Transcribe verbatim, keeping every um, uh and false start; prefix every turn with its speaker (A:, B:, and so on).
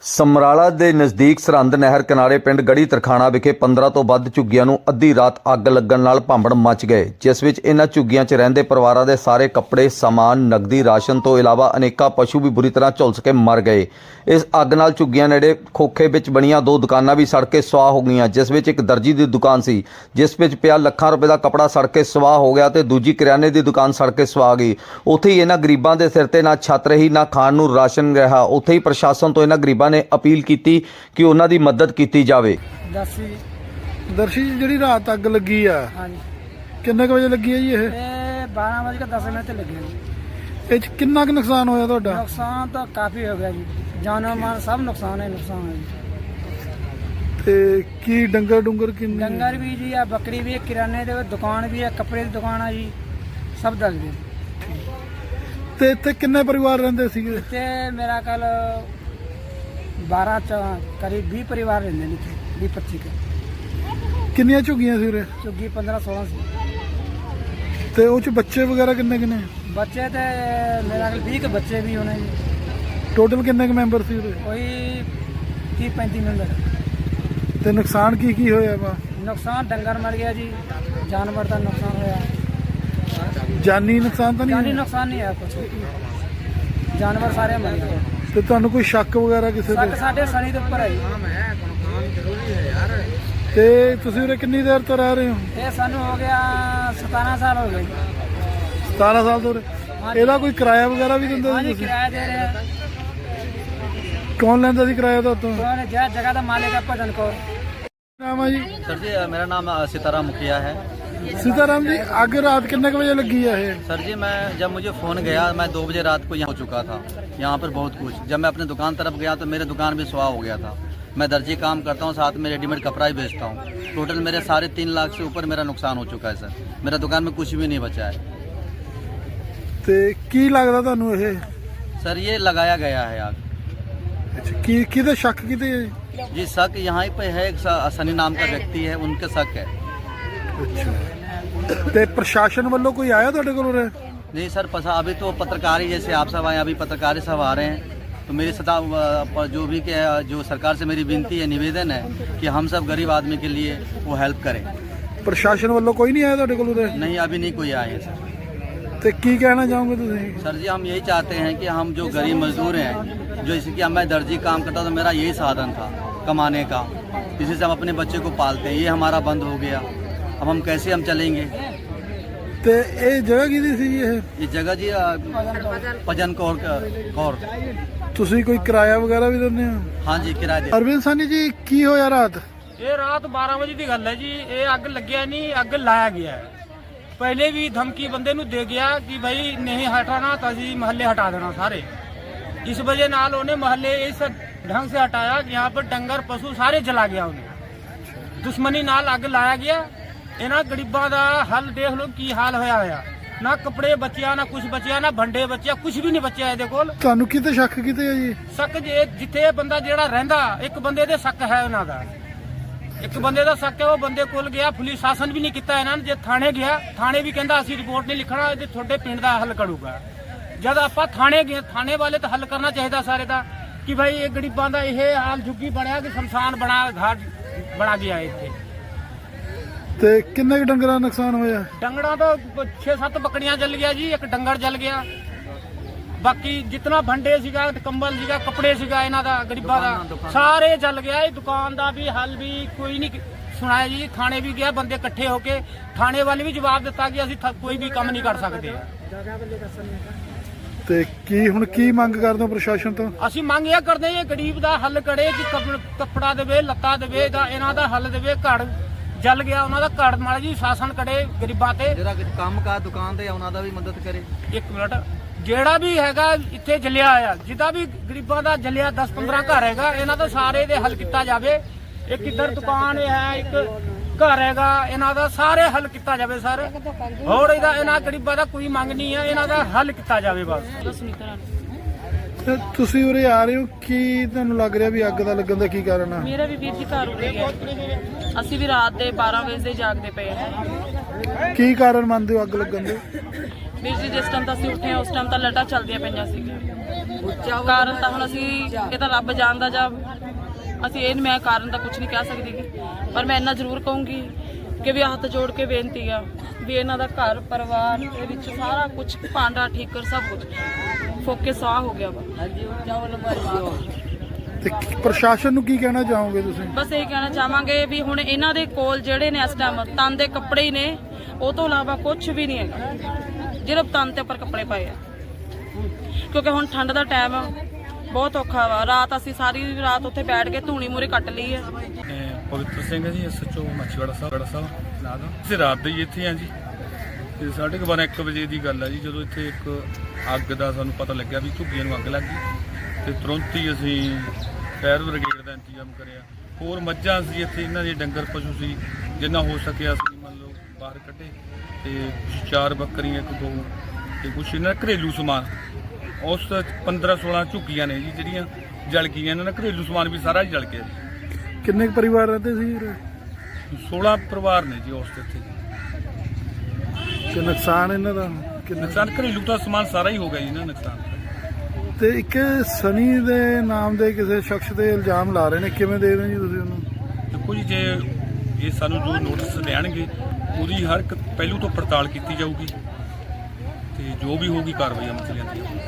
A: ਸਮਰਾਲਾ ਦੇ ਨਜ਼ਦੀਕ ਸਰਹੰਦ ਨਹਿਰ ਕਿਨਾਰੇ ਪਿੰਡ ਗੜੀ ਤਰਖਾਣਾ ਵਿਖੇ ਪੰਦਰਾਂ ਤੋਂ ਵੱਧ ਝੁੱਗੀਆਂ ਨੂੰ ਅੱਧੀ ਰਾਤ ਅੱਗ ਲੱਗਣ ਨਾਲ ਭਾਂਬੜ ਮਚ ਗਏ, ਜਿਸ ਵਿੱਚ ਇਹਨਾਂ ਝੁੱਗੀਆਂ 'ਚ ਰਹਿੰਦੇ ਪਰਿਵਾਰਾਂ ਦੇ ਸਾਰੇ ਕੱਪੜੇ, ਸਾਮਾਨ, ਨਕਦੀ, ਰਾਸ਼ਨ ਤੋਂ ਇਲਾਵਾ ਅਨੇਕਾਂ ਪਸ਼ੂ ਵੀ ਬੁਰੀ ਤਰ੍ਹਾਂ ਝੁਲਸ ਕੇ ਮਰ ਗਏ। ਇਸ ਅੱਗ ਨਾਲ ਝੁੱਗੀਆਂ ਨੇੜੇ ਖੋਖੇ ਵਿੱਚ ਬਣੀਆਂ ਦੋ ਦੁਕਾਨਾਂ ਵੀ ਸੜ ਕੇ ਸੁਆਹ ਹੋ ਗਈਆਂ, ਜਿਸ ਵਿੱਚ ਇੱਕ ਦਰਜੀ ਦੀ ਦੁਕਾਨ ਸੀ ਜਿਸ ਵਿੱਚ ਪਿਆ ਲੱਖਾਂ ਰੁਪਏ ਦਾ ਕੱਪੜਾ ਸੜ ਕੇ ਸੁਆਹ ਹੋ ਗਿਆ ਤੇ ਦੂਜੀ ਕਰਿਆਨੇ ਦੀ ਦੁਕਾਨ ਸੜ ਕੇ ਸੁਆਹ ਗਈ। ਉੱਥੇ ਹੀ ਇਹਨਾਂ ਗਰੀਬਾਂ ਦੇ ਸਿਰ ਤੇ ਨਾ ਛੱਤ ਰਹੀ, ਨਾ ਖਾਣ ਨੂੰ ਰਾਸ਼ਨ ਰਿਹਾ। ਉੱਥੇ ਹੀ ਪ੍ਰਸ਼ਾਸਨ ਤੋਂ ਇਹਨਾਂ ਗਰੀਬਾਂ ਨੇ अपील की कि उन्हां दी मदद की जाए।
B: दर्शी
C: दर्शी जी रात अग लगी है,
B: हाँ जी,
C: किन्ने बजे लगी है जी? ये
B: बारह बज के दस मिनट लगे।
C: ये कितना क नुकसान होया तुहाडा?
B: नुकसान तो काफ़ी हो गया जी, जानो माल सब नुकसान है नुकसान है जी।
C: ते की डंगर डुंगर किन्ने?
B: डंगर भी जी है, बकरी भी है, किराने की दुकान भी है, कपड़े की दुकान है जी, सब दस गए।
C: ते इत्थे किन्ने परिवार रहिंदे सीगे?
B: इत्थे मेरा कल बारह च करीब बीस परिवार रहते हैं, बीस पच्ची के।
C: किन्नियां झुग्गियां सी उरे?
B: झुग्गी पंद्रह सोलह सी।
C: ते उह च बच्चे वगैरह किन्ने किन्ने?
B: बच्चे तो मेरा कल बीस के बच्चे भी होने जी।
C: टोटल किन्ने के मैंबर सी उरे?
B: कोई तीस पैंतीस मैंबर।
C: ते नुकसान की की होया वा?
B: नुकसान डंगर मर गया जी, जानवर का नुकसान होया।
C: जानी नुकसान तो नहीं?
B: जानी नुकसान नहीं है कुछ, जानवर सारे मर गए।
C: ਤੇ ਤੁਹਾਨੂੰ ਕੋਈ ਸ਼ੱਕ ਵਗੈਰਾ ਕਿਸੇ
B: शक
C: ਤੇ?
B: साढ़े सनी के उपर है जी।
C: ਤੇ ਤੁਸੀਂ ਉਰੇ ਕਿੰਨੀ ਦੇਰ ਤੋਂ ਰਹਿ ਰਹੇ ਹੋ?
B: ये सानू हो गया सतारह साल हो गए।
C: सतारह साल ਤੋਂ ਉਰੇ। ਇਹਦਾ ਕੋਈ ਕਿਰਾਇਆ ਵਗੈਰਾ ਵੀ ਦਿੰਦੇ
B: हाँ
C: ਸੀ
B: जी,
C: ਤੁਸੀਂ?
B: किराया दे रहे हैं।
C: ਕੌਣ ਲੈਂਦਾ ਸੀ ਕਿਰਾਇਆ ਤੁਹਾਤੋਂ?
B: उन्होंने जगह जगह का मालिक है भजन कौर।
C: ਨਾਮ ਆ ਜੀ?
D: सर जी मेरा नाम सीताराम मुखिया है।
C: सीताराम जी, ਅੱਗ ਰਾਤ ਕਿੰਨੇ ਕੁ ਵਜੇ ਲੱਗੀ ਹੈ ਇਹ?
D: सर जी मैं जब मुझे फ़ोन गया मैं दो बजे रात को यहाँ हो चुका था, यहाँ पर बहुत कुछ। जब मैं अपने दुकान तरफ गया तो मेरे दुकान भी सुहा हो गया था। मैं दर्जी काम करता हूँ, साथ में रेडीमेड कपड़ा ही बेचता हूँ। टोटल मेरे साढ़े तीन लाख से ऊपर मेरा नुकसान हो चुका है सर। मेरा दुकान में कुछ भी नहीं बचा है।
C: ਤੇ ਕੀ ਲੱਗਦਾ ਤੁਹਾਨੂੰ ਇਹ?
D: सर ये लगाया गया है आग।
C: ਅੱਛਾ, ਕੀ ਕਿਹਦੇ ਸ਼ੱਕ ਕਿਤੇ ਹੈ?
D: जी शक यहाँ पे है, एक स- सनी नाम का व्यक्ति है, उनके शक है।
C: ਅੱਛਾ, ਤੇ ਪ੍ਰਸ਼ਾਸਨ ਵੱਲੋਂ ਕੋਈ ਆਇਆ ਤੁਹਾਡੇ ਕੋਲ ਉਰੇ?
D: नहीं सर पसा अभी तो पत्रकार ही, जैसे आप सब आए अभी पत्रकार ही सब आ रहे हैं, तो मेरी सदा पर जो भी के जो सरकार से मेरी विनती है, निवेदन है कि हम सब गरीब आदमी के लिए वो हेल्प करें।
C: ਪ੍ਰਸ਼ਾਸਨ ਵੱਲੋਂ ਕੋਈ ਨਹੀਂ ਆਇਆ ਤੁਹਾਡੇ ਕੋਲ ਉਰੇ?
D: नहीं अभी नहीं कोई आए हैं सर।
C: ਤੇ ਕੀ ਕਹਿਣਾ ਚਾਹੋਗੇ ਤੁਸੀਂ?
D: सर जी हम यही चाहते हैं कि हम जो गरीब मजदूर हैं, जो जैसे कि मैं दर्जी काम करता हूँ तो मेरा यही साधन था कमाने का, इसी से हम अपने बच्चे को पालते हैं। ये हमारा बंद हो गया, अब हम कैसे हम चलेंगे?
C: ਤੇ ਇਹ ਜਗ੍ਹਾ ਕਿਹਦੀ ਸੀ ਇਹ?
D: ये जगह जी अ, भजन कौर कौर।
C: ਤੁਸੀਂ ਕੋਈ ਕਿਰਾਇਆ ਵਗੈਰਾ ਵੀ ਦਿੰਦੇ ਹੋ?
D: हाँ जी किराए दे।
C: ਅਰਵਿੰਦ ਸਾਨੀ ਜੀ, ਕੀ ਹੋਇਆ ਰਾਤ?
E: ਇਹ ਰਾਤ ਬਾਰਾਂ ਵਜੇ ਦੀ ਗੱਲ ਹੈ ਜੀ। ਇਹ ਅੱਗ ਲੱਗਿਆ ਨਹੀਂ, ਅੱਗ ਲਾਇਆ ਗਿਆ ਹੈ। ਪਹਿਲੇ ਵੀ ਧਮਕੀ ਬੰਦੇ ਨੂੰ ਦੇ ਗਿਆ ਕਿ ਭਾਈ ਨਹੀਂ ਹਟਾਣਾ ਤਾਂ ਅਸੀਂ ਮਹੱਲੇ ਹਟਾ ਦੇਣਾ ਸਾਰੇ। ਇਸ ਵਜ੍ਹਾ ਨਾਲ ਉਹਨੇ ਮਹੱਲੇ ਇਸ ढंग से हटाया कि यहाँ पर डंगर पशु सारे जला गया उन्हें। दुश्मनी नाल अग लाया गया। इन्हां गरीबां दा हल देख लो की हाल होया होया, ना कपड़े बचिया, ना कुछ बचिया, ना भंडे बचिया, कुछ भी नहीं बचिया ਇਹਦੇ ਕੋਲ।
C: ਤੁਹਾਨੂੰ ਕਿਤੇ ਸ਼ੱਕ ਕਿਤੇ ਹੈ ਜੀ?
E: शक जे जिथे बंदा जेड़ा रहंदा, एक बंदे दे शक है उन्हां दा, एक बंदे दा शक है। वो बंदे कोल गया, पुलिस शासन भी नहीं किया इन्हां ने। जे थाने गया, थाने भी कहंदा ਅਸੀਂ रिपोर्ट नहीं लिखना, ਇਹ ਤੁਹਾਡੇ ਪਿੰਡ ਦਾ ਹੱਲ ਕਰੂਗਾ। जद ਆਪਾਂ थाने गए, थाने वाले तो हल करना चाहिए सारे ਦਾ कि भाई ये गरीबां दा ਇਹ हाल झुग्गी ਬਣਿਆ कि शमशान बना घाट बना गया ਇੱਥੇ।
C: ਤੇ ਕਿੰਨੇ ਕੁ ਡੰਗਰਾਂ ਦਾ ਨੁਕਸਾਨ ਹੋਇਆ?
E: ਡੰਗਰਾਂ ਦਾ छे सत्त ਬੱਕੜੀਆਂ ਜਲ ਗਿਆ ਜੀ, ਇੱਕ ਡੰਗਰ ਜਲ ਗਿਆ। ਬਾਕੀ ਜਿੰਨਾ ਭੰਡੇ ਸੀਗਾ, ਕੰਬਲ ਸੀਗਾ, ਕੱਪੜੇ ਸੀਗਾ ਇਹਨਾਂ ਦਾ ਗਰੀਬਾਂ ਦਾ ਸਾਰੇ ਜਲ ਗਿਆ। ਇਹ ਦੁਕਾਨ ਦਾ ਵੀ ਹੱਲ ਵੀ ਕੋਈ ਨਹੀਂ ਸੁਣਾਇਆ ਜੀ। ਥਾਣੇ ਵੀ ਗਿਆ, ਬੰਦੇ ਇਕੱਠੇ ਹੋ ਕੇ ਥਾਣੇ ਵਾਲੇ ਵੀ ਜਵਾਬ ਦਿੱਤਾ ਕਿ ਅਸੀਂ ਕੋਈ ਵੀ ਕੰਮ ਨਹੀਂ ਕਰ ਸਕਦੇ।
C: ਤੇ ਕੀ ਹੁਣ ਕੀ ਮੰਗ ਕਰਦੇ ਹੋ ਪ੍ਰਸ਼ਾਸਨ ਤੋਂ?
E: ਅਸੀਂ ਮੰਗ ਇਹ ਕਰਦੇ ਹਾਂ ਗਰੀਬ ਦਾ ਹੱਲ ਕਰੇ ਕਿ ਕੱਪ- ਕੱਪੜਾ ਦੇਵੇ, ਲੱਤਾ ਦੇਵੇ, ਦਾ ਇਹਨਾਂ ਦਾ ਹੱਲ ਦੇਵੇ। ਘਰ ਜਲ ਗਿਆ ਉਹਨਾਂ ਦਾ, ਘਰ ਮਾੜਾ ਜੀ ਸ਼ਾਸਨ ਕਰੇ ਗਰੀਬਾਂ ਤੇ।
D: ਜਿਹੜਾ ਕੰਮ ਕਾ ਦੁਕਾਨ ਤੇ ਉਹਨਾਂ ਦਾ ਵੀ ਮਦਦ ਕਰੇ।
E: ਇੱਕ ਮਿੰਟ, ਜਿਹੜਾ ਵੀ ਹੈਗਾ ਇੱਥੇ ਜਲਿਆ ਆ, ਜਿਹਦਾ ਵੀ ਗਰੀਬਾਂ ਦਾ ਜਲਿਆ ਦਸ ਪੰਦਰਾਂ ਘਰ ਹੈਗਾ, ਇਹਨਾਂ ਦਾ ਸਾਰੇ ਦੇ ਹੱਲ ਕੀਤਾ ਜਾਵੇ। ਇੱਕ ਇੱਧਰ ਦੁਕਾਨ ਹੈ, ਇੱਕ ਘਰ ਹੈਗਾ, ਇਹਨਾਂ ਦਾ ਸਾਰੇ ਹੱਲ ਕੀਤਾ ਜਾਵੇ ਸਰ। ਹੋਰ ਇਹਦਾ ਇਹਨਾਂ ਗਰੀਬਾਂ ਦਾ ਕੋਈ ਮੰਗ ਨਹੀਂ ਹੈ, ਇਹਨਾਂ ਦਾ ਹੱਲ ਕੀਤਾ ਜਾਵੇ ਬਸ।
C: ਤੇ ਤੁਸੀਂ ਉਰੇ ਆ ਰਹੇ ਹੋ, ਕੀ ਤੁਹਾਨੂੰ ਲੱਗ ਰਿਹਾ ਵੀ ਅੱਗ ਦਾ ਲੱਗਣ ਦਾ ਕੀ ਕਾਰਨ ਆ?
F: ਮੇਰਾ ਵੀ ਵੀਰ ਜੀ ਘਰ ਉੱਤੇ ਗਿਆ। ਅਸੀਂ ਵੀ ਰਾਤ ਦੇ ਬਾਰਾਂ ਵਜੇ ਦੇ ਜਾਗਦੇ ਪਏ ਹਾਂ।
C: ਕੀ ਕਾਰਨ ਮੰਨਦੇ ਹੋ ਅੱਗ ਲੱਗਣ ਦੇ?
F: ਵੀਰ ਜੀ ਜਿਸ ਟਾਈਮ ਤਾਂ ਅਸੀਂ ਉੱਠੇ ਹਾਂ ਉਸ ਟਾਈਮ ਤਾਂ ਲਟਾ ਚੱਲਦੀਆਂ ਪਈਆਂ ਸੀਗੀਆਂ। ਕਾਰਨ ਤਾਂ ਹੁਣ ਅਸੀਂ ਇਹ ਤਾਂ ਰੱਬ ਜਾਣਦਾ, ਜਾਂ ਅਸੀਂ ਇਹ ਮੈਂ ਕਾਰਨ ਤਾਂ ਕੁਝ ਨਹੀਂ ਕਹਿ ਸਕਦੀ ਗੀ। ਪਰ ਮੈਂ ਇੰਨਾ ਜ਼ਰੂਰ ਕਹੂੰਗੀ ਕਿ ਵੀ ਹੱਥ ਜੋੜ ਕੇ ਬੇਨਤੀ ਆ ਵੀ ਇਹਨਾਂ ਦਾ ਘਰ ਪਰਿਵਾਰ ਦੇ ਵਿੱਚ ਸਾਰਾ ਕੁਝ ਭਾਂਡਾ ਠੀਕਰ ਸਭ ਕੁਝ ਫੋਕੇ ਸਾਹ ਹੋ ਗਿਆ ਵਾ।
C: ਤੇ ਪ੍ਰਸ਼ਾਸਨ ਨੂੰ ਕੀ ਕਹਿਣਾ ਚਾਹੋਗੇ ਤੁਸੀਂ?
F: ਬਸ ਇਹ ਕਹਿਣਾ ਚਾਹਾਂਗੇ ਵੀ ਹੁਣ ਇਹਨਾਂ ਦੇ ਕੋਲ ਜਿਹੜੇ ਨੇ ਇਸ ਟਾਈਮ ਤਨ ਦੇ ਕੱਪੜੇ ਹੀ ਨੇ, ਉਹ ਤੋਂ ਇਲਾਵਾ ਕੁਝ ਵੀ ਨਹੀਂ ਹੈਗਾ ਜਿਹੜੇ ਤਨ ਤੇ ਉੱਪਰ ਕੱਪੜੇ ਪਾਏ ਆ, ਕਿਉਂਕਿ ਹੁਣ ਠੰਡ ਦਾ ਟਾਈਮ ਬਹੁਤ ਔਖਾ ਵਾ। ਰਾਤ ਅਸੀਂ ਸਾਰੀ ਰਾਤ ਉੱਥੇ ਬੈਠ ਕੇ ਧੂਣੀ ਮੂਰੇ ਕੱਟ ਲਈ ਹੈ।
G: ਪਵਿੱਤਰ ਸਿੰਘ ਹੈ ਜੀ, ਐਸਐਚਓ ਮੱਛੀਵਾੜਾ ਸਾਹਿਬ ਸਾਹਿਬ ਨਾਂ ਦਾ। ਅਸੀਂ ਰਾਤ ਦੇ ਹੀ ਇੱਥੇ ਆ ਜੀ, ਤੇ ਸਾਢੇ ਕੁ ਬਾਰਾਂ ਇੱਕ ਵਜੇ ਦੀ ਗੱਲ ਹੈ ਜੀ, ਜਦੋਂ ਇੱਥੇ ਇੱਕ ਅੱਗ ਦਾ ਸਾਨੂੰ ਪਤਾ ਲੱਗਿਆ ਵੀ ਝੁੱਗੀਆਂ ਨੂੰ ਅੱਗ ਲੱਗ ਗਈ, ਤੇ ਤੁਰੰਤ ਹੀ ਅਸੀਂ ਫਾਇਰ ਬ੍ਰਿਗੇਡ ਦਾ ਇੰਤਜ਼ਾਮ ਕਰਿਆ। ਹੋਰ ਮੱਝਾਂ ਸੀ ਇੱਥੇ, ਇਹਨਾਂ ਦੇ ਡੰਗਰ ਪਸ਼ੂ ਸੀ, ਜਿੰਨਾ ਹੋ ਸਕਿਆ ਅਸੀਂ ਮੰਨ ਲਓ ਬਾਹਰ ਕੱਢੇ, ਤੇ ਚਾਰ ਬੱਕਰੀਆਂ, ਇੱਕ ਗਊ, ਤੇ ਕੁਛ ਇਹਨਾਂ ਦਾ ਘਰੇਲੂ ਸਮਾਨ। ਉਸ ਪੰਦਰਾਂ ਸੋਲਾਂ ਝੁੱਗੀਆਂ ਨੇ ਜੀ ਜਿਹੜੀਆਂ ਜਲ ਗਈਆਂ, ਇਹਨਾਂ ਦਾ ਘਰੇਲੂ ਸਮਾਨ ਵੀ ਸਾਰਾ ਹੀ ਜਲ ਗਿਆ ਜੀ।
C: ਕਿੰਨੇ ਕੁ ਪਰਿਵਾਰ ਰਹਿੰਦੇ ਸੀ ਉਰੇ?
G: ਸੋਲਾਂ ਪਰਿਵਾਰ ਨੇ ਜੀ ਉਸ ਤੇ ਇੱਥੇ।
C: ਤੇ ਨੁਕਸਾਨ ਇਹਨਾਂ ਦਾ ਕਿੰਨਾ?
G: ਨੁਕਸਾਨ ਘਰੇਲੂ ਦਾ ਸਮਾਨ ਸਾਰਾ ਹੀ ਹੋ ਗਿਆ ਜੀ ਨਾ ਨੁਕਸਾਨ।
C: ਤੇ ਇੱਕ ਸਨੀ ਦੇ ਨਾਮ ਦੇ ਕਿਸੇ ਸ਼ਖਸ ਤੇ ਇਲਜ਼ਾਮ ਲਾ ਰਹੇ ਨੇ, ਕਿਵੇਂ ਦੇ ਰਹੇ ਜੀ ਤੁਸੀਂ ਉਹਨੂੰ?
G: ਦੇਖੋ ਜੀ, ਜੇ ਇਹ ਸਾਨੂੰ ਜੋ ਨੋਟਿਸ ਦੇਣਗੇ ਉਹਦੀ ਹਰ ਇੱਕ ਪਹਿਲੂ ਤੋਂ ਪੜਤਾਲ ਕੀਤੀ ਜਾਊਗੀ, ਤੇ ਜੋ ਵੀ ਹੋਊਗੀ ਕਾਰਵਾਈ ਅਮਲ ਚ ਲਿਆਂਦੀ ਜਾਊਗੀ।